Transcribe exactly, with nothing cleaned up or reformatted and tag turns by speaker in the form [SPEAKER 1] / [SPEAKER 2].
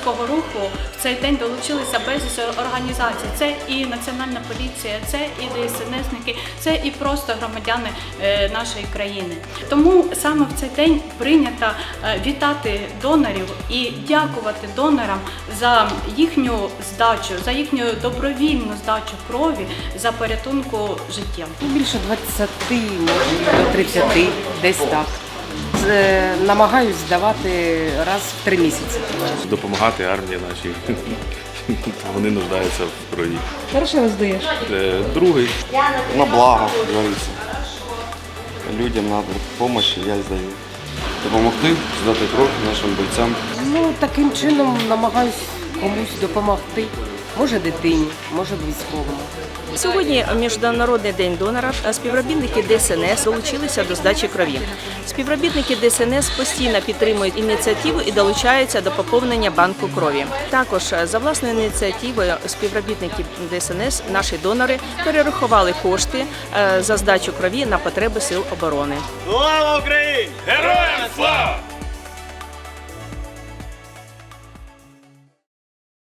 [SPEAKER 1] громадського руху в цей день долучилися безліч організацій. Це і Національна поліція, це і ДСНСники, це і просто громадяни нашої країни. Тому саме в цей день прийнято вітати донорів і дякувати донорам за їхню здачу, за їхню добровільну здачу крові, за порятунку життя.
[SPEAKER 2] Більше двадцяти, може, до тридцяти, десь так. Намагаюсь здавати раз в три місяці.
[SPEAKER 3] Допомагати армії нашій. Вони нуждаються в крові.
[SPEAKER 4] Перший раз даєш?
[SPEAKER 3] Другий.
[SPEAKER 5] На благо, говорится. Людям надо допомога, я здаю. Допомогти, здати кров нашим бойцям.
[SPEAKER 2] Ну, таким чином намагаюсь комусь допомогти. Може дитині, може військовому.
[SPEAKER 6] Сьогодні Міжнародний день донора. Співробітники ДСНС долучилися до здачі крові. Співробітники ДСНС постійно підтримують ініціативу і долучаються до поповнення банку крові. Також за власною ініціативою співробітники ДСНС, наші донори, перерахували кошти за здачу крові на потреби сил оборони.
[SPEAKER 7] Слава Україні! Героям слава!